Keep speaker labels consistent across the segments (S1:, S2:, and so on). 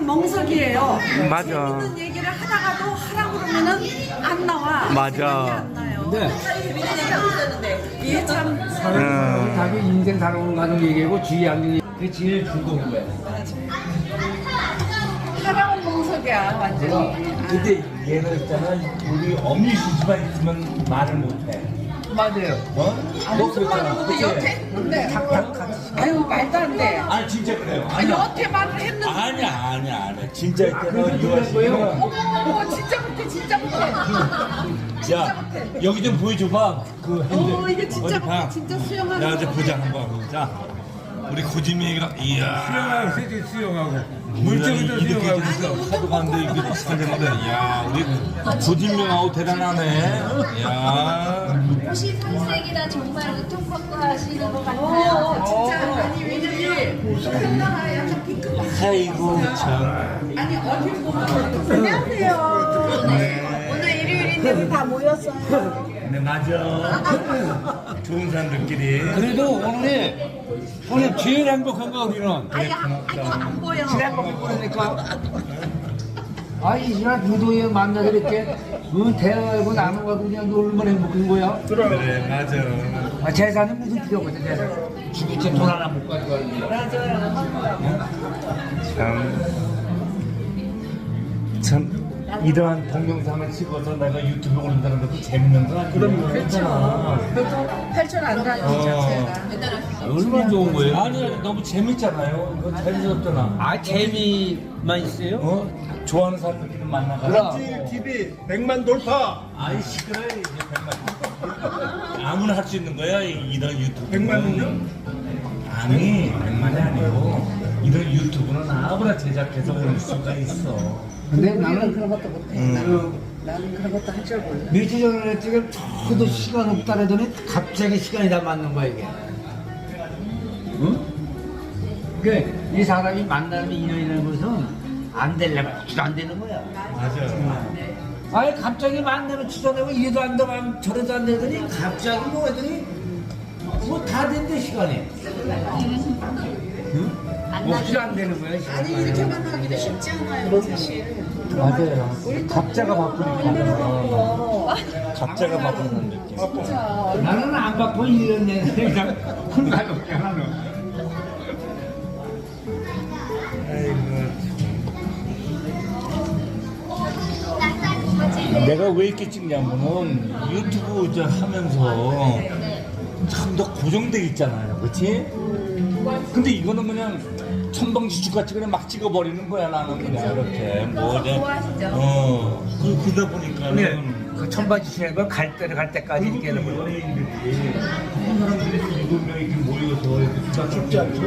S1: 멍석이에요.
S2: 맞아.
S1: 재밌는 얘기를 하다가도 하라고 그러면은 안 나와.
S2: 맞아.
S1: 생각이 안 나요.
S3: 근데
S1: 이게 참
S3: 자기 인생 살아오는 과정 얘기하고 주위 안경이 그게 제일 즐거운 거야.
S1: 하라고 멍석이야 완전히.
S4: 근데 얘는 있잖아, 우리 엄니 씨집안 있으면 말을 못해.
S3: 맞아요.
S4: 어?
S1: 무슨 말을 못해 여태 했는데. 아유 말도 안 돼.
S4: 아니 진짜 그래요.
S1: 아, 여태 말을 했는데.
S4: 아니야. 진짜 있잖아, 유아 씨가.
S1: 어머 진짜 못해 진짜 못해.
S4: 야, 여기 좀 보여줘봐. 그 핸들.
S1: 이게 진짜
S4: 어디
S1: 못해
S4: 봐.
S1: 진짜 수영하는.
S4: 야, 이제 보자 한번. 자, 우리 고지미랑 이야.
S3: 수영하고 세제 수영하고
S4: 물적으로 수영하고 하도 갔는데 이게 살려는데, 야, 우리 고진명하고 대단하네. 야.
S5: 옷이 살색이라 정말 우통벗고 하시는 것 같아요.
S1: 진짜 아니 왜냐면 컬러가 약간 핑크.
S4: 아이고 참.
S1: 아니 어디 보면. 안녕하세요. 오늘 일요일인데 우리 다 모였어요.
S4: 네 맞아. 좋은 사람들끼리.
S3: 그래도 오늘 제일 행복한 거 우리는.
S1: 아니 안 보여.
S3: 제일 행복한 거니까. 아이 시간 부도에 만나서 이렇게 대화하고 나누고 그냥 얼마나 행복한 거야.
S4: 그래 맞아.
S3: 재산이 무슨 필요가 없어 재산. 죽이채 돈 하나 못 가져가는데.
S4: 참 이러한 동영상을 찍어서 내가 유튜브에 올린다는 것도 재밌는 거 아니야? 그럼
S1: 그렇죠. 그것도 8천 안 가는 자체가.
S3: 얼마나 좋은 거예요?
S4: 아니 너무 재밌잖아요. 이거 재밌었잖아.
S3: 아 재미만 있어요?
S4: 어? 좋아하는 사람들끼리 만나가.
S3: 그럼.
S6: TV 100만 돌파.
S4: 아이 시끄러워 이제 100만. 아무나 할 수 있는 거야 이런 유튜브.
S6: 100만은요?
S4: 아니 100만이 아니고 이런 유튜브는 아무나 제작해서 올릴 수가 있어.
S3: 근데
S1: 우리는
S3: 나는
S1: 그런 것도 못해. 나는 그런 것도 할 줄 몰라.
S3: 며칠 전에 지금 저도 시간 없다 그러더니 갑자기 시간이 다 맞는 거야 이게. 응? 이 사람이 만나는 인연이라는 것은 안 되려면 안 되는 거야.
S4: 맞아.
S3: 아니 갑자기 만나면 취소되고 이래도 안 되고 저래도 안 되더니 갑자기 뭐 하더니 뭐 다 된대 시간이. 응? 없이 안 되는 거야 시간이.
S1: 아니 이렇게 만나기도 쉽지 않아요 사실.
S3: 맞아요. 각자가 바쁘니까.
S4: 각자가 바꾸는 느낌.
S3: 나는 안 바빠 1년 내내 그냥 혼자 먹게 하는.
S4: 내가 왜 이렇게 찍냐면은 유튜브 저 하면서 참 더 고정돼 있잖아요, 그렇지? 근데 이거는 그냥 천방지축 같이 그냥 막 찍어버리는 거야 나는 그냥 이렇게 뭐냐. 그러다 보니까는
S3: 그 천반지시는 걸 갈 때까지 이렇게 하는 거예요.
S4: 연예인들이 한 사람들이 7명 이렇게 모여서 이렇게 수다 쉽지 않죠?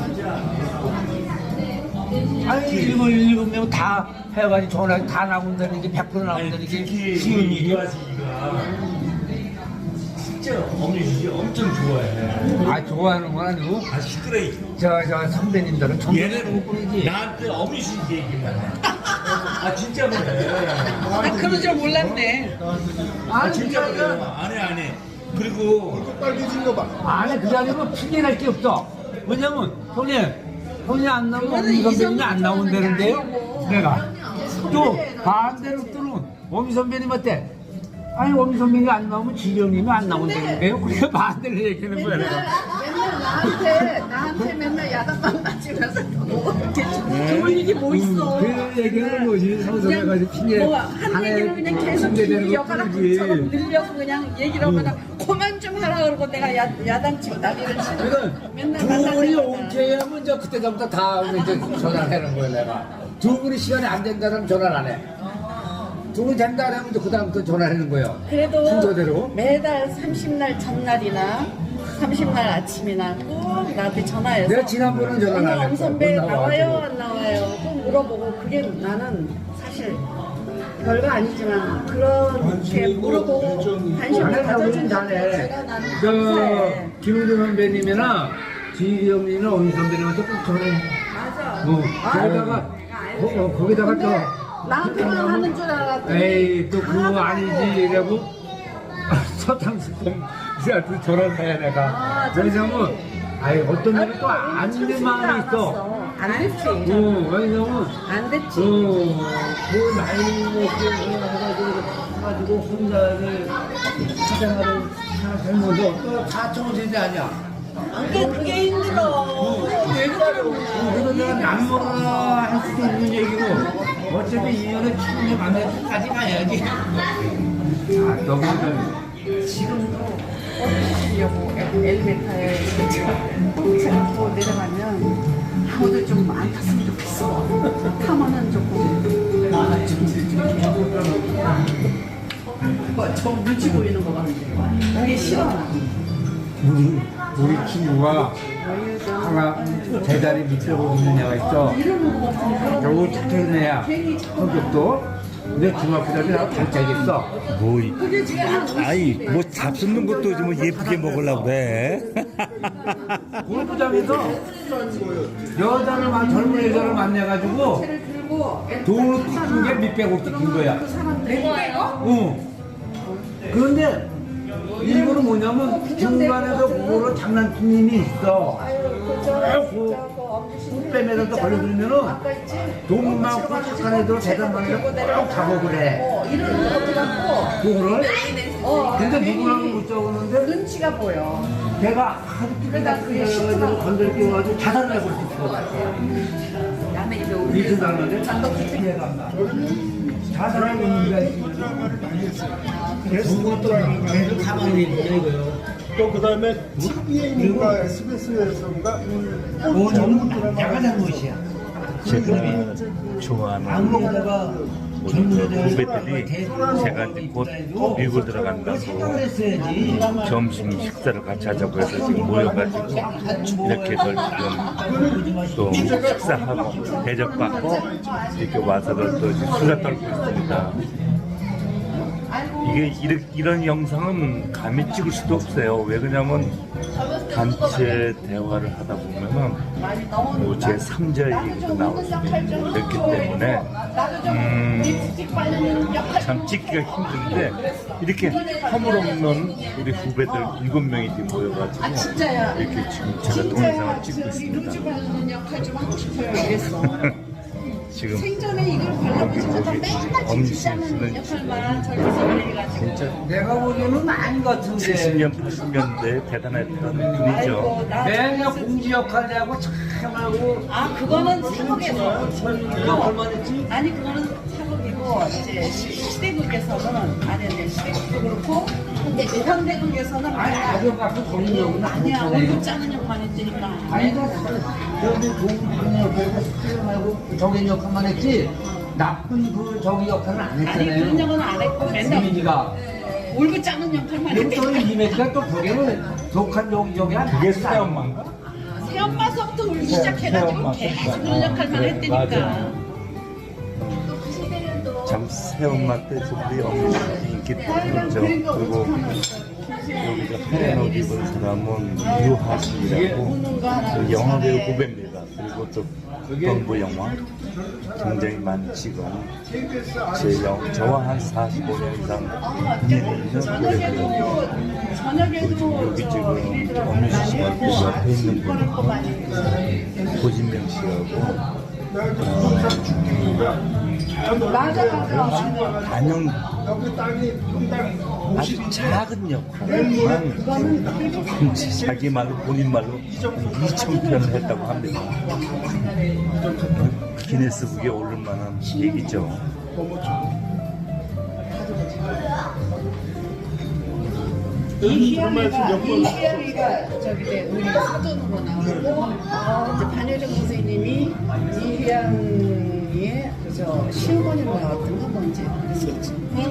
S3: 아니 일곱 명 다 해가지고 전화 다 나온다는 게 100% 나온다는 게
S4: 특히
S3: 쉬운 일이야.
S4: 유아씨가 진짜 엄니 엄청 좋아해.
S3: 아 좋아하는 건 아니고
S4: 아 시끄러워.
S3: 저 선배님들은 전부
S4: 얘는
S3: 뿐이지.
S4: 나한테 어머니 씨 얘기만 해. 아 진짜 그래.
S1: 아 그런 줄 몰랐네.
S4: 아 진짜 그래. 아니. 그리고
S6: 빨개진 거 봐.
S3: 아니 그게 아니고 핑계낼 게 없어. 왜냐면 형이 안 나오면
S1: 그거는
S3: 엄미 선배님이
S1: 이성적
S3: 안 나온다는데요.
S1: 아니고.
S3: 내가 또 반대로 또는 엄미 선배님 어때? 아니 엄미 선배님이 안 나오면 지경님이 안 나온다는데요. 그래서 반대로 얘기하는 거야 내가.
S1: 맨날 나한테 맨날 야단만 맞으면서 뭐 이렇게 좋은 일이 뭐 있어.
S3: 그 얘기하는 거지. 성성해가지고 핑계.
S1: 뭐한 얘기를 그냥 계속
S3: 핑계대는
S1: 여가락처럼
S3: 것뿐이지.
S1: 늘려서 그냥 얘기를 하거나 그만 좀 하라 그러고 내가 야단치고 난리를 치고
S3: 그러니까
S1: 맨날
S3: 두 분이
S1: 만나서
S3: 오케이 하면 이제 그때부터 다 이제 전화를 하는 거예요 내가. 두 분이 시간이 안 된다면 전화를 안 해. 두 분 된다 하면 그 다음부터 전화하는 거예요.
S1: 그래도
S3: 순서대로.
S1: 매달 30날 전날이나 30날 아침이나 꼭 나한테 전화해서
S3: 내가 지난번은 전화 안
S1: 오늘
S3: 했어.
S1: 엄 선배
S3: 못 나와가지고.
S1: 나와요 안 나와요 꼭 물어보고 그게 나는 사실 별거 아니지만 그렇게 물어보고 관심을
S3: 잘해, 우린
S1: 가져주는
S3: 잘해.
S1: 제가 나는
S3: 저
S1: 감사해.
S3: 김우중 선배님이나 지영이나 엄 선배님한테 꼭 전해.
S1: 맞아.
S3: 거기다가 거기다가
S1: 근데
S3: 또
S1: 나한테만 하는 줄 알았더니
S3: 에이 또 그거
S1: 하나도
S3: 아니지 이라고 서탕스럽게 전화를 해 내가.
S1: 아,
S3: 왜냐면 아이 어떤 일이 또
S1: 아니,
S3: 아닌 데 마음이 있어.
S1: 안 됐지.
S3: 왜냐면
S1: 안 됐지.
S3: 그 나이 먹고 해가지고 혼자 사생활을 살면서 또 사촌세대 아니야.
S1: 그게 힘들어. 왜
S3: 그래서 내가 남모가 할 수도 있는 얘기고 어차피 인연을 충분히 만날 때까지 가야지. 너무
S1: 지금도 어디시려고 엘리베이터에 또 내려가면 아무도 좀 안 탔으면 좋겠어. 타면은 조금 좀 눈치 보이는 거 같은데 그게 싫어.
S3: 우리 친구가 하나 제자리 밑에 오는 애가 있어. 겨우 착한 애야. 성격도. 근데 중학교 때는 나랑 단짝이었어.
S4: 뭐, 아이, 뭐 잡수는 것도 좀 예쁘게 먹으려고 그래.
S3: 골프장에서 젊은 여자를 만나가지고 돈을 뜯은 게 몇백억 뜯은 거야. 응. 그런데 일본은 뭐냐면 중간에서 그거를 장난치님이 있어. 빼매서 걸려들면은 돈 많고 착한 애들 대단한 애들 꼭 작업을 해.
S1: 이런 거 같고
S3: 그거를. 근데 누구랑 못 적었는데
S1: 눈치가 보여.
S3: 걔가 하도
S1: 그러다 그게
S3: 그래가지고 건들 끼워가지고 자살을 해볼 수 있어. 미친 사람한테 이해가 안 나. 자살하고 있는 데가 있으면 그것도 계속 가만히 있는 거예요.
S6: 또 그다음에 TVN인가 SBS에서인가
S3: 너무 야가 잘못이야.
S4: 제가 좋아하는
S3: 아무거다가 젊은
S4: 후배들이 제가 이제 곧 미국 들어간다고 점심 식사를 같이 하자고 해서 지금 모여가지고 이렇게들 지금 또 식사하고 대접받고 이렇게 와서들 또 수다 떨고 있습니다. 이게 이런 영상은 감히 찍을 수도 없어요. 왜 그러냐면 단체 대화를 하다 보면은 뭐 제 3자 얘기도 나올 수도 있고 그렇기 때문에 참 찍기가 힘든데 이렇게 허물없는 우리 후배들 7명이 모여가지고 이렇게 지금 제가 동영상을 찍고 있습니다.
S1: 역할 좀 하고 싶어요. 이랬어.
S4: 지금
S1: 생전에 이걸 발라보지 못한 맨날
S4: 엄지씨는
S1: 역할만 저기서 해가지고.
S4: 진짜
S3: 내가 보기에는 아닌 것 같은데
S4: 70년, 80년대 대단했던 분이죠.
S3: 맨날 공지 역할 내고 참하고
S1: 아 그거는 사극에서.
S3: 그거 얼마 됐지?
S1: 아니 그거는 사극이고 이제 시대극에서는 아니 이제 시대극도 그렇고 근데 현대극에서는
S3: 아니 아주 갖고 거는 역은
S1: 아니야
S3: 아니야.
S1: 얼굴 짜는 역만 했으니까.
S3: 아니다. 그런데 좋은 방향 역할과 스킬하고 저기 역할만 했지 나쁜 그 저기 역할은 안
S1: 아니 그런
S3: 했잖아요.
S1: 역은 안 했고 맨날
S3: 이민지가
S1: 얼굴 짜는 역할만
S3: 또
S1: 했으니까.
S3: 이민지가 또 그게는 독한 저기 한
S4: 그게 새엄마인가?
S1: 새엄마서부터 울기 시작해가지고
S4: 새엄마,
S1: 계속 그런 역할만 했으니까.
S4: 맞아. 참 새엄마 때 우리 어머니 인기 있죠. 그리고 여기 하얀 옷 입은 사람은 유하수이라고 그 영화배우 후배입니다. 그리고 또 동부 영화 굉장히 많이 찍은 저와 한 45년 이상 인연이
S1: 저녁에도
S4: 여기 지금 엄유시 씨가 그 옆에 있는 분이 고진명 씨하고 단연 아주 작은 역할만 자기 말로 본인 말로 2,000편을 했다고 합니다. 기네스북에 오를 만한 얘기죠.
S1: 이희양이가 저기 우리 사전으로 나오고 이제 반효정 선생님이 이희양의 그저 시어머니로 나왔던 거 뭔지 그랬었지.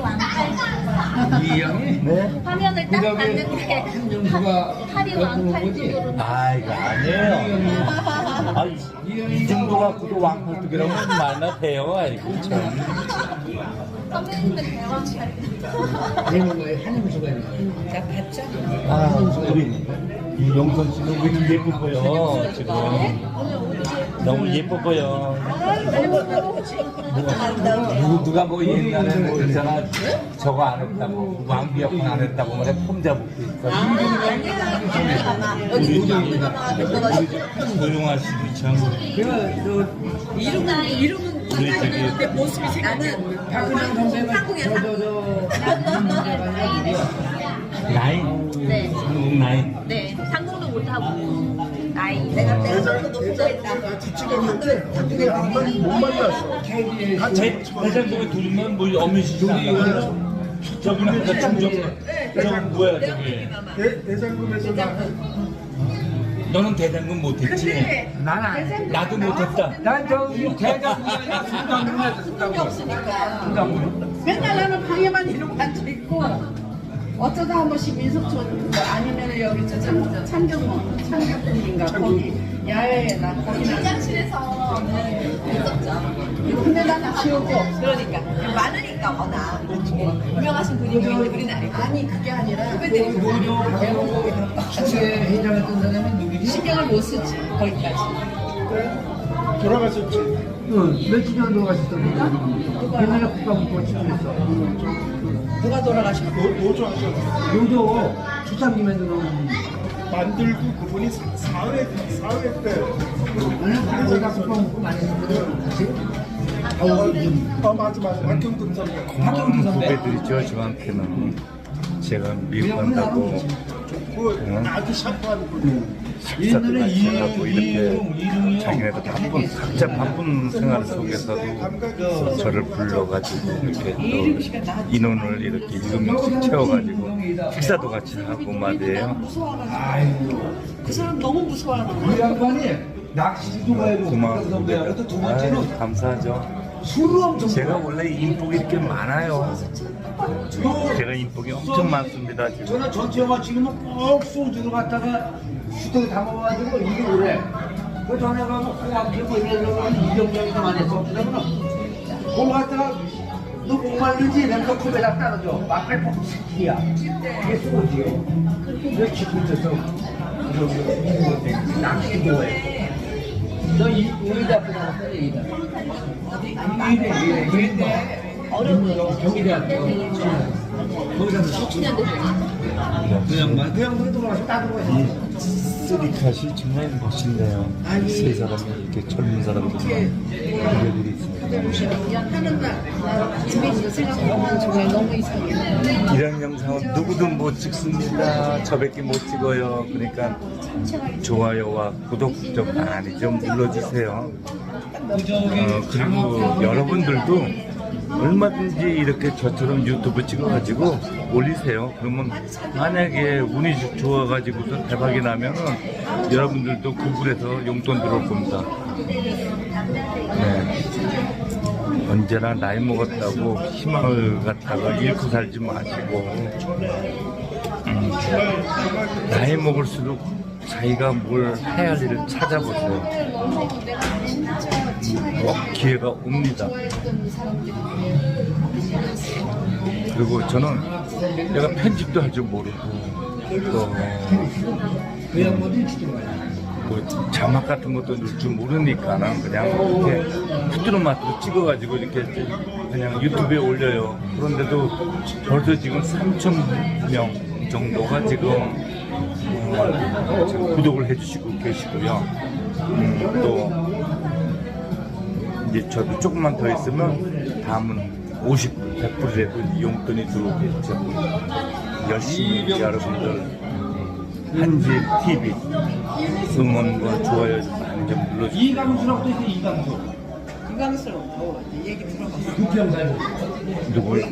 S3: 이 형이
S4: 네?
S5: 화면을 딱 봤는데
S3: 한정수가
S5: 팔이 왕팔뚝으로
S4: 아 이거 아니에요. 아, 이 정도 갖고도 왕팔뚝이라고 말나 돼요. 아이고 참.
S5: 선배님들 대왕 차리다.
S3: 대문가에 한정수가 있네.
S1: 자 봤죠?
S4: 아 우리 이용선 씨는 왜 이렇게 예쁜 거예요 지금.
S5: 오늘
S4: 너무 예뻐 보여.
S1: 아름다워.
S4: 누가 뭐 옛날에 뭐 있잖아. 저거 안 했다고. 왕비역은 안 했다고 말해. 폼 잡고 있어. 우리 조용하시고 참.
S5: 이름은
S4: 우리 저기
S5: 모습이 생각나는
S3: 박근혜 선배는
S4: 나인.
S5: 네.
S4: 한국 나인.
S5: 네, 상공도 못하고 나이.
S1: 내가 너도 부자했다.
S6: 같이 찍었는데 근데 못 만났어.
S4: 대장동에 둘이면 뭐 어미시잖아. 저기는 저 충정. 저 뭐야 저기.
S6: 대장금에서
S4: 너는 대장금 못했지?
S3: 나는
S4: 나도 못했다.
S3: 난 저기 대장군이야 수장군이야 수장군.
S1: 맨날 나는 방에만 이러고 앉아있고 어쩌다 한 번씩 민속촌 아니면 여기 저 창경군인가 거기 야외에 나 거기 나
S5: 화장실에서 했었죠.
S1: 근데 나는 기억이 없어.
S5: 그러니까 많으니까 워낙 유명하신 분이 있는데 우리는 아니고.
S1: 아니 그게 아니라
S3: 노조 배우고 같이 회장했던 사람이 누구지?
S5: 신경을 못 쓰지 거기까지.
S6: 돌아가셨지.
S3: 응, 며칠 전에 돌아가셨던 옛날에 국가문고 치료했어.
S1: 누가 돌아가셨어?
S6: 노조 하셨어.
S3: 노조 주상님에 들어오는
S6: 만들고 그분이 사회 때
S3: 나는 내가 국가문고 많이 했거든. 같이.
S6: 맞아 박경근 선배.
S3: 박경근 선배.
S4: 후배들이죠 저한테는. 제가 미국 간다고
S6: 그 아주 샤프한 분.
S4: 식사도 같이 하고 이렇게 자기네도 각자 바쁜 생활 속에서도 저를 불러가지고 이렇게 또 인원을 이렇게 7명씩 채워가지고 식사도 같이 하고 말이에요.
S1: 그 사람 너무 무서워하는
S3: 그 양반이 낚시도 가고
S4: 고마운
S3: 선배하고 또 두 번째는
S4: 감사하죠.
S3: 술을 엄청
S4: 제가 원래 인복이 이렇게 많아요. 제가 인복이 엄청 많습니다. 지금.
S3: 저는 전체 영화 지금은 꼭 소주를 갖다가 수도에 담아가지고 이게 오래. 그 전에 가면 홍합기 뭐 이래서 이병장이도 많이 했어. 그러면 그걸 갖다가 너 목말르지? 내가 컵에다 따라줘. 막갈 퍽 새끼야. 이게 소주요. 왜 지금 있어서 낚시도 해. 너 의대 앞에 나왔어, 의대. 의대. 경희대학교. 거기서 그 양반이 돌아가서 따로 해.
S4: 쓰리카시 정말 멋있네요. 세 사람이 이렇게 젊은 사람들 노래들이 있습니다.
S1: 하는 날 집에 생각하면 정말 너무 이상해.
S4: 이런 영상은 누구도 못 찍습니다. 저밖에 못 찍어요. 그러니까 좋아요와 구독 좀 많이 좀 눌러주세요. 그리고 여러분들도 얼마든지 이렇게 저처럼 유튜브 찍어가지고 올리세요. 그러면 만약에 운이 좋아가지고서 대박이 나면은 여러분들도 구글에서 용돈 들어올 겁니다. 네. 언제나 나이 먹었다고 희망을 갖다가 잃고 살지 마시고 나이 먹을수록 자기가 뭘 해야 할 일을 찾아보세요. 기회가 옵니다. 그리고 저는 내가 편집도 할 줄 모르고 또
S3: 그 양반이 진짜 많이.
S4: 뭐 자막 같은 것도 넣을 줄 모르니까는 그냥 이렇게 후드로마트로 찍어가지고 이렇게 그냥 유튜브에 올려요. 그런데도 벌써 지금 3,000명 정도가 지금 구독을 해주시고 계시고요. 또 이제 저도 조금만 더 있으면 다음은 100%라도 용돈이 들어오겠죠. 열심히 여러분들 한지 TV 응원과 좋아요 많이 좀 눌러주세요.
S3: 이강수라고 있어, 이강수.
S1: 유감스러워. 얘기 들어봤어.
S3: 국회의원
S4: 누구요?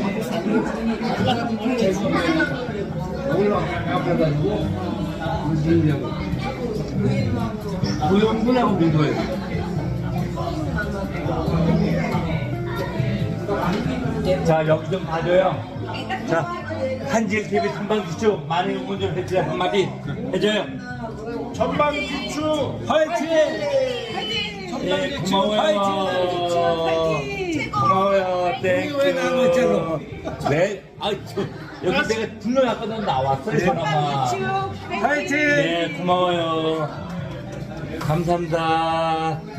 S3: 올라가가지고 문재인하고 고용군하고 공부해요.
S4: 자 여기 좀 봐줘요. 자 한지일 TV 탐방기초 많이 응원 좀 해주세요. 한마디 해줘요.
S6: 전방기추
S4: 화이팅! 예, 고마워요. 고마워요. 땡큐.
S3: 왜 나왔잖아.
S4: 네. 여기 내가 분명히 아까 난 나왔어요. 전화만.
S3: 화이팅!
S4: 네, 고마워요. 감사합니다.